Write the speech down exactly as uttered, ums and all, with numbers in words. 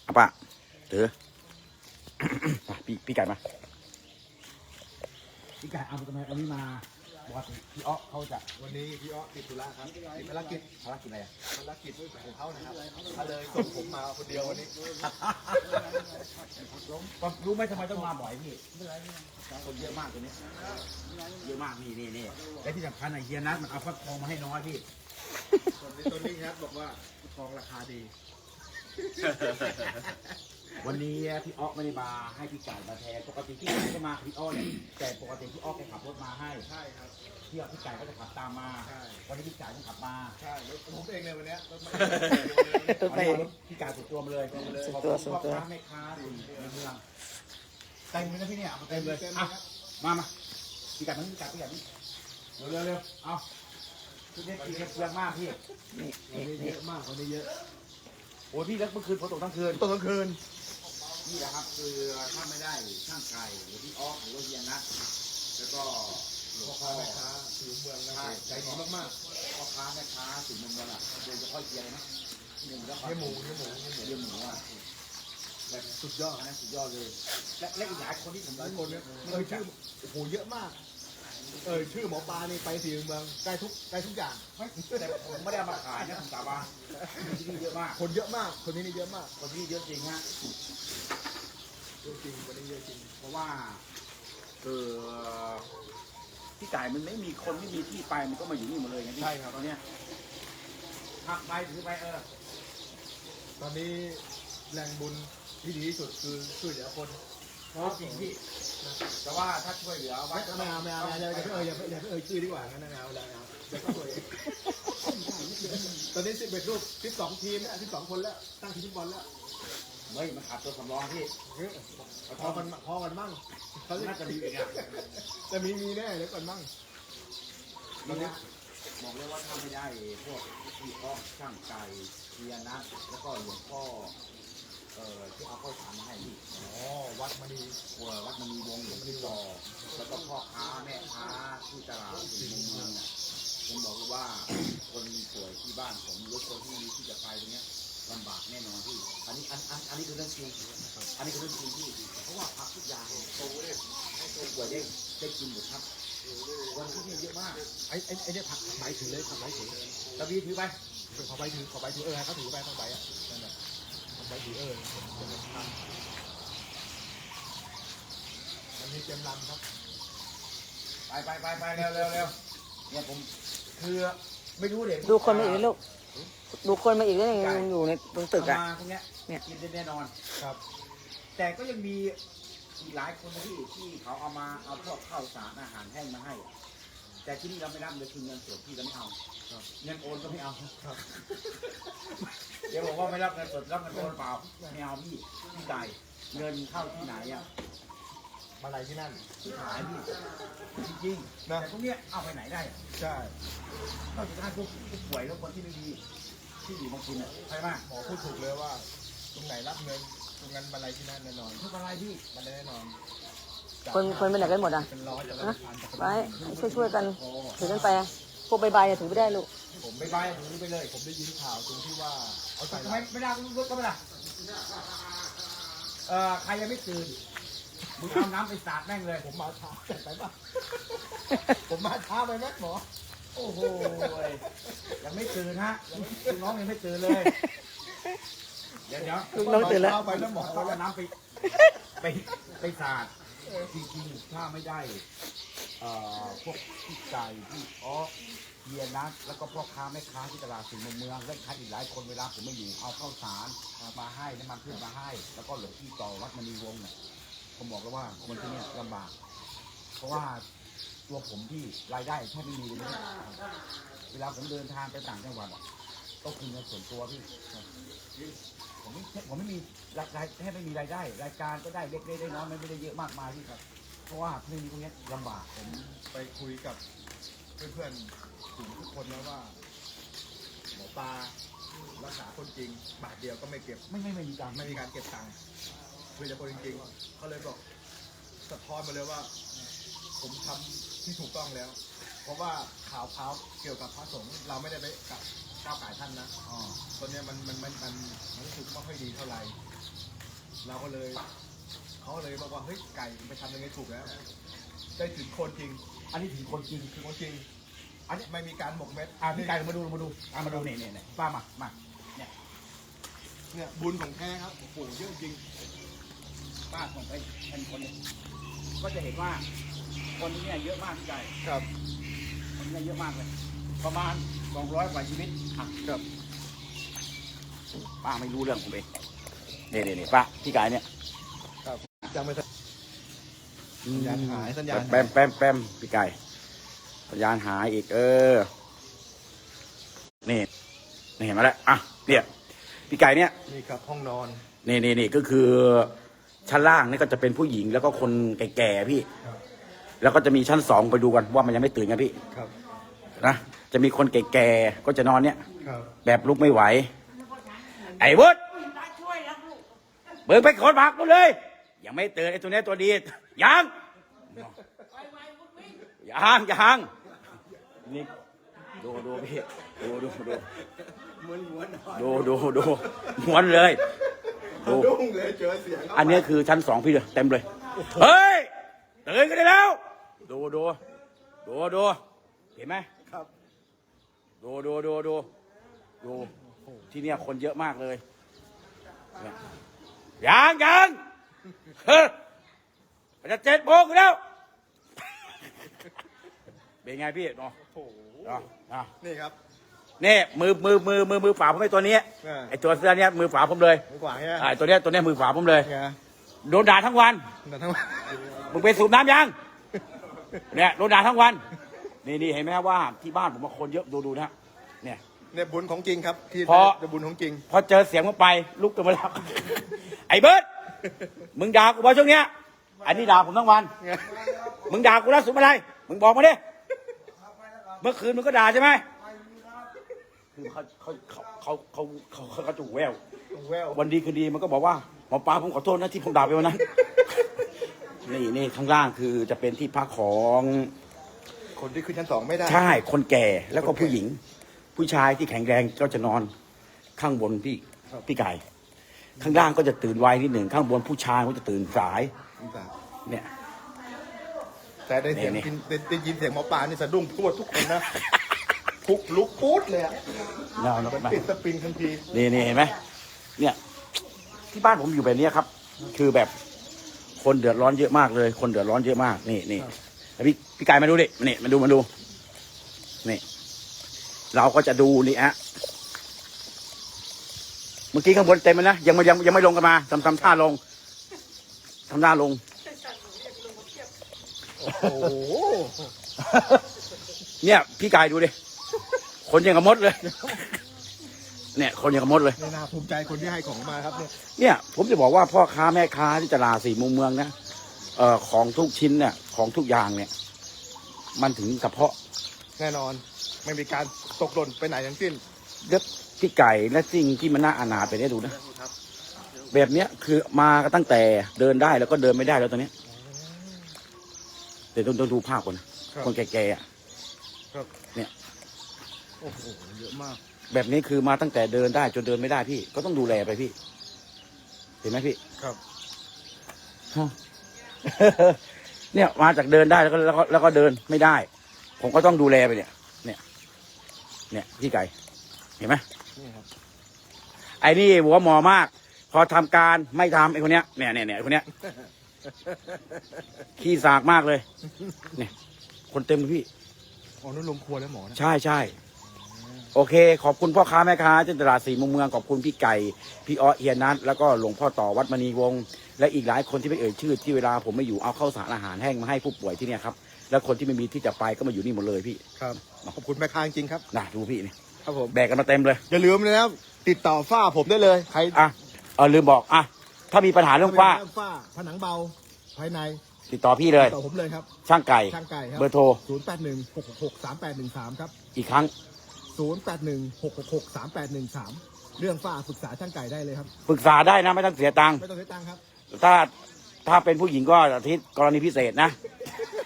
เอาป่ะเถือ พี่พี่ไก่มาพี่ไก่เอาทำไมวันนี้มาปกติพี่อ๊อเขาจะวันนี้พี่อ๊อติดธุระครับติดภารกิจภารกิจอะไรอ่ะภารกิจของเขานะครับเขาเลยส่งผมมาคนเดียววันนี้รู้ไหมทำไมต้องมาบ่อยพี่คนเยอะมากตัวนี้เยอะมากนี่นี่นี่และที่สำคัญไอ้เฮียนัทมันเอาฟักทองมาให้น้อยพี่ส่วนในตัวนี้ครับบอกว่าทองราคาดีวันนี้พี่อ๊อกไม่ได้มาให้พี่ไก่มาแทนปกติพี่ไก่ก็มาพี่อ๊อกเนี่ยแต่ปกติพี่อ๊อกแกขับรถมาให้ใช่ครับพี่อ๊อกพี่ไก่ก็จะขับตามมาใช่วันนี้พี่ไก่ต้องขับมาใช่รถผมเองเลยวันเนี้ยรถไม่ตัวไปเอารถพี่ไก่สุดตัวมาเลยสุดตัวสุดตัวขอบคุณพ่อค้าแม่ค้าในเมืองเต็มเลยนะพี่เนี่ยเอามาเต็มเลยอ่ะมามาพี่ไก่มันพี่ไก่พี่ไก่นี่เร็วเร็วเร็วเอาพี่เนี่ยกินเปลืองมากพี่นี่วันนี่นี้เยนี่อะมากวันนี้เยอะโอ้ยพี่แล้วเมื่อคืนฝนตกทั้งคืนตอนกลางคืนนี่แหละครับคือถ้าไม่ได้ช่างไก่หรือพี่อ๊อกหรือว่าเฮียนัทแล้วก็หลวพ่องพ่อค้าแม่ค้าผิวเมืองนะใจดีมากพ่อค้าแม่ค้าสิ่งเมืองอ่ะโดยเฉพาะเฮียเลยนะหนึ่งแล้วๆเนื้อหมูเนื้อหมูเนื้อหมูเฮียหมูอ่ะแบบสุดยอดนะสุดยอดเลย และและอีกหลายคนที่ผมหลายคนเนี่ยเออชื่อโอ้โหเยอะมากเออชื่อหมอปลานี่ไปสีเมืองใกล้ทุกใกล้ทุกอย่างไม่แต่ผมไม่ได้เอามาขายนะผมสาบานที่นี่เยอะมากคนเยอะมากคนนี้นี่เยอะมากคนที่นี่เยอะจริงฮะเยอะจริงวันนี้เยอะจริงเพราะว่าคือพี่ไก่มันไม่มีคนไม่มีที่ไปมันก็มาอยู่นี่หมดเลยไงพี่ใช่ครับตอนเนี้ยหักไปถือไปเออตอนนี้แรงบุญที่ดีที่สุดคือช่วยเหลือคนเพราะจริงพี่แต่ว่าถ้าช่วยเหลือวัไม่ดไม่เอาไม่เอาไม่เอาอย่าไปเอ่ยอย่าไปอย่าไปเอ่ยชื่อดีกว่างั้นนะเอาแล้วเอาเดี๋ยวก็ตัวเองตอนนี้สิบเอ็ดรูปสิบสองทีมแล้วสิบสองคนแล้วตั้งทีมฟุตบอลแล้วเฮ้ยมันขาดตัวสำรองพี่พอกันพอกันมั่งเขาน่าจะมีอีกอ่ะจะมีมีแน่เดี๋ยวก่อนมั่งตอนนี้บอกเลยว่าถ้าไม่ได้พวกพี่พ่อช่างไก่เทียนะแล้วก็หลวงพ่อเอ่อที่เอาข้าวสารมาให้พี่อ๋อวัดมาดีวัววัดมันมีวงหลวงพี่ต่อแล้วก็พ่อค้าแม่ค้าที่ตลาดสี่มุมเมืองเนี่ยผมบอกเลยว่าคนป่วยที่บ้านผมหรือคนที่มีที่จะไปตรงเนี้ยลำบากแน่นอนพี่อันนี้อันอันอันนี้คือเรื่องจริงอันนี้คือเรื่องจริงพี่เพราะว่าผักทุกอย่างโตเลยให้คนป่วยได้ได้กินหมดครับวันที่นี่เยอะมากไอ้ไอ้ไอ้เนี่ยผักใบถือเลยผักใบถือตะวีถือไปขอใบถือขอใบถือเออเขาถือใบเขาใบอ่ะนั่นแหละใบถือเออผมจะทำมันมีเต็มลำครับไปไปไปไปเร็วเร็วเร็วเนี่ยผมคือไม่รู้เด็กดูคนมาอีกลูกดูคนมาอีกแล้วยังยังอยู่ในตรงตึกอ่ะมาพวกเนี้ยเนี่ยกินได้แน่นอนครับแต่ก็ยังมีอีกหลายคนที่ที่เขาเอามาเอาพวกข้าวสารอาหารแห้งมาให้ แต่ที่นี่เราไม่รับเลยคือเงินสดที่เราไม่เอาครับเงินโอนก็ไม่เอาครับเดี๋ยวบอกว่าไม่รับเงินสดรับเงินโอนเปล่าไม่เอาพี่พี่ไก่เงินเข้าที่ไหนอ่ะมาอะไรที่นั่นที่ขายพี่จริงๆนะแต่พวกเนี้ยเอาไปไหนได้อะใช่นอกจากการพวกผู้ป่วยแล้วคนที่ไม่ดีที่อยู่บางคนอ่ะใช่ไหมหมอพูดถูกเลยว่า ตรงไหนรับเงินตรงนั้นมาอะไรที่นั่นแน่นอนไม่เป็นไรพี่มันแน่นอนคนคนไปไหนกันหมดอ่ะเป็นร้อยแต่ละฮะพันแต่ละไปพันช่วยช่วยๆกันถือกันไปอะพวกใบใบถือไม่ได้ลูกผมไม่ใบผมไปเลย ผมได้ยินข่าวตรงที่ว่าเอาใส่ทำไมไม่ได้รถก็ไม่ได้เอ่อใครยังไม่ตื่นมึงเอาน้ำไปสาดแม่งเลยผมมาช้าไปป่ะ ผมมาช้าไปไหมหมอโอ้โหยังไม่ตื่นฮะลูกน้องยังไม่ตื่นเลย เดี๋ยวเดี๋ยวลูกน้องตื่นแล้วเอาไปแล้วหมอเขาเอาน้ำไปไปไปสาดจริงๆถ้าไม่ได้เอ่อพวกพี่ไก่พี่อ๋อเฮียนัทแล้วก็พ่อค้าแม่ค้าที่ตลาดสี่มุมเมืองและค้าอีกหลายคนเวลาผมไม่อยู่เอาข้าวสารมาให้น้ำมันพืชมาให้ แล้วก็หลวงพี่ต่อวัดมณีวงศ์เนี่ยผมบอกแล้วว่าคนที่เนี่ยลำบาก เพราะว่าตัวผมที่รายได้แทบไม่มีเลยนะเวลาผมเดินทางไปต่างจังหวัดอะต้องคืนเงินส่วนตัวพี่ผมไม่ผมไม่มีรายแทบไม่มีรายได้ รายการก็ได้เล็กได้น้อยไม่ได้เยอะมากมายพี่ครับ เพราะว่าไม่มีพวกนี้ลำบากผมไปคุยกับเพื่อนๆกลุ่มทุกคนแล้วว่า หมอปลารักษาคนจริง บาทเดียวก็ไม่เก็บไม่ไม่ไม่มีการไม่มีการเก็บตังค์คุยกับคนจริงๆเขาเลยบอกสะท้อนมาเลยว่า ผมทำที่ถูกต้องแล้ว เพราะว่าข่าวข่าวเกี่ยวกับพระสงฆ์เราไม่ได้ไปกับก้าวไก่ท่านนะอ๋อตอนเนี้ยมันมันมันมันมันรู้สึกไม่ค่อยดีเท่าไหร่เราก็เลยเขาเลยบอกว่าเฮ้ยไก่ไปทำยังไงถูกแล้ว ได้ถึงคนจริงอันนี้ถึงคนจริงถึงคนจริง อันนี้ไม่มีการหมกเม็ดอ่ะพี่ไก่มาดูมาดูอ่ะมาดูนี่นี่นี่ป้ามามาเนี่ยเนี่ยบุญของแท้ครับโอ้โหเยอะจริงป้าส่งไปเป็นคนเนี่ยก็จะเห็นว่าคนนี้เนี่ยเยอะมากพี่ไก่ครับคนนี้เยอะมากเลย ประมาณสองร้อยกว่าชีวิตอ่ะครับป้าไม่รู้เรื่องผมเองนี่นี่นี่ป้าพี่ไก่เนี่ยครับยังไม่ทัน สัญญาณหายสัญญาณหายแปมแปมแปมพี่ไก่สัญญาณหายอีกเออนี่นี่เห็นมาแล้วอ่ะเนี่ยพี่ไก่เนี่ยนี่ครับห้องนอนนี่นี่นี่ก็คือชั้นล่างนี่ก็จะเป็นผู้หญิงแล้วก็คนแก่ๆพี่ครับแล้วก็จะมีชั้นสองไปดูกันว่ามันยังไม่ตื่นกันพี่ครับนะจะมีคนแก่ๆก็จะนอนเนี่ยครับแบบลุกไม่ไหวไอ้วุฒเบิกไปขนผักกูเลยยังไม่ตื่นไอ้ตัวเนี้ยตัวดียังยังยังนี่ดูดูพี่ดูดูดูเหมือนหัวนอนดูดูดูม้วนเลยดูดุ้งเลยเจอเสียงอันนี้คือชั้นสองพี่เลยเต็มเลยเฮ้ยตื่นกันได้แล้ว ดูดูดูดูเห็นไหมครับดูดูดูดูดูที่เนี่ยคนเยอะมากเลยเนี่ยยังยังเฮ้ยมันจะเจ็ดโมงแล้วเป็นไงพี่เนาะโอ้โหเนาะเนาะนี่ครับนี่มือมือมือมือมือฝาผมไอ้ตัวนี้อ่าไอ้ตัวเสื้อเนี้ยมือฝาผมเลยมือกวางใช่ไหมอ่าตัวเนี้ยตัวเนี้ยมือฝาผมเลยไงโดนด่าทั้งวันแต่ทั้งวันมึงไปสูบน้ำยังเนี่ยโดนด่าทั้งวันนี่นี่เห็นไหมครับว่าที่บ้านผมมาคนเยอะดูดูนะเนี่ยเนี่ยบุญของจริงครับ ที่เพราะจะบุญของจริงพอเจอเสียงมันไปลุกกันมาแล้ว ไอ้เบิร์ดมึงด่ากูบ่ช่วงเนี้ยอันนี้ด่าผมทั้งวัน มึงด่ากูแล้วสุดอะไรมึงบอกมาดิเมื่อคืนมึงก็ด่าใช่ไหมคือเขาเขาเขาเขาเขาเขาเขาถูกแววแวววันดีคืนดีมันก็บอกว่าหมอปลาผมขอโทษนะที่ผมด่าไปวันนั้น นี่นี่ข้างล่างคือจะเป็นที่พักของคนที่ขึ้นชั้นสองไม่ได้ใช่คนแก่แล้วก็ผู้หญิง ผู้ชายที่แข็งแรงก็จะนอนข้างบนพี่พี่ไก่ข้างล่างก็จะตื่นไวนิดหนึ่งข้างบนผู้ชายก็จะตื่นสายเนี่ยแต่ได้เสียงนี่กินได้ได้ยินเสียงหมอปลานี่สะดุ้งทั่วทุกคนนะทุกลุกปุ๊ดเลยอะเนาะเนาะมันปิดสปริงทันทีนี่นี่เห็นไหมเนี่ยที่บ้านผมอยู่แบบนี้ครับ คือแบบคนเดือดร้อนเยอะมากเลย คนเดือดร้อนเยอะมากนี่นี่แล้วพี่พี่ไก่มาดูดินี่มาดูมาดูนี่เราก็จะดูนี่ฮะเมื่อกี้ข้างบนเต็มเลยนะยังไม่ยังยังไม่ลงกันมาทำทำท่าลงทำท่าลงโอ้โหเนี่ยพี่ไก่ดูดิคนยังกับมดเลย เนี่ยคนยังกับมดเลยนี่น่าภูมิใจคนที่ให้ของมาครับเนี่ยเนี่ยผมจะบอกว่าพ่อค้าแม่ค้าที่ตลาดสี่มุมเมืองนะเอ่อของทุกชิ้นเนี่ยของทุกอย่างเนี่ย มันถึงกระเพาะแน่นอนไม่มีการตกหล่นไปไหนทั้งสิ้นเด็บพี่ไก่และสิ่งที่มันน่าอนาถไปได้ดูนะแบบเนี้ยคือมาตั้งแต่เดินได้แล้วก็เดินไม่ได้แล้วตอนเนี้ยเดี๋ยวต้องต้องดูภาพก่อนนะคนแก่ๆอ่ะครับเนี่ยโอ้โหเยอะมากแบบนี้คือมาตั้งแต่เดินได้จนเดินไม่ได้พี่ก็ต้องดูแลไปพี่ เห็นไหมพี่ครับเนี่ยมาจากเดินได้แล้วก็แล้วก็แล้วก็เดินไม่ได้ ผมก็ต้องดูแลไปเนี่ย เนี่ย เนี่ยพี่ไก่เห็นไหมนี่ครับไอ้นี่หัวหมอมาก พอทำการไม่ทำไอ้คนเนี้ยเนี่ยเนี่ยเนี่ยไอ้คนเนี้ยขี้สากมากเลย เนี่ยคนเต็มเลยพี่อ๋อนั่นลงครัวแล้วหมอนะใช่ใช่โอเค ขอบคุณพ่อค้าแม่ค้าที่ตลาดสี่มุมเมืองขอบคุณพี่ไก่พี่อ้อเอียนัทแล้วก็หลวงพ่อต่อวัดมณีวงศ์และอีกหลายคนที่ไม่เอ่ยชื่อที่เวลาผมไม่อยู่เอาข้าวสารอาหารแห้งมาให้ผู้ป่วยที่เนี่ยครับแล้วคนที่ไม่มีที่จะไปก็มาอยู่นี่หมดเลยพี่ครับขอบคุณแม่ค้าจริงๆครับน่ะดูพี่นี่ครับผมแบกกันมาเต็มเลยอย่าลืมเลยนะครับติดต่อฝ้าผมได้เลยใครอ่ะเออลืมบอกอ่ะถ้ามีปัญหาเรื่องฝ้าฝ้าผนังเบาภายในติดต่อพี่เลยติดต่อผมเลยครับช่างไก่ช่างไก่ครับเบอร์โทรศูนย์แปดหนึ่งหกหกสามแปดหนึ่งสามครับอีกครั้งศูนย์แปดหนึ่งหกหกสามแปดหนึ่งสามเรื่องฝ้าปรึกษาช่างไก่ได้เลยครับปรึกษาได้นะไม่ต้องเสียตังค์ไม่ต้องใช้ตังค์ครับถ้าถ้าเป็นผู้หญิงก็อาทิตย์กรณีพิเศษนะ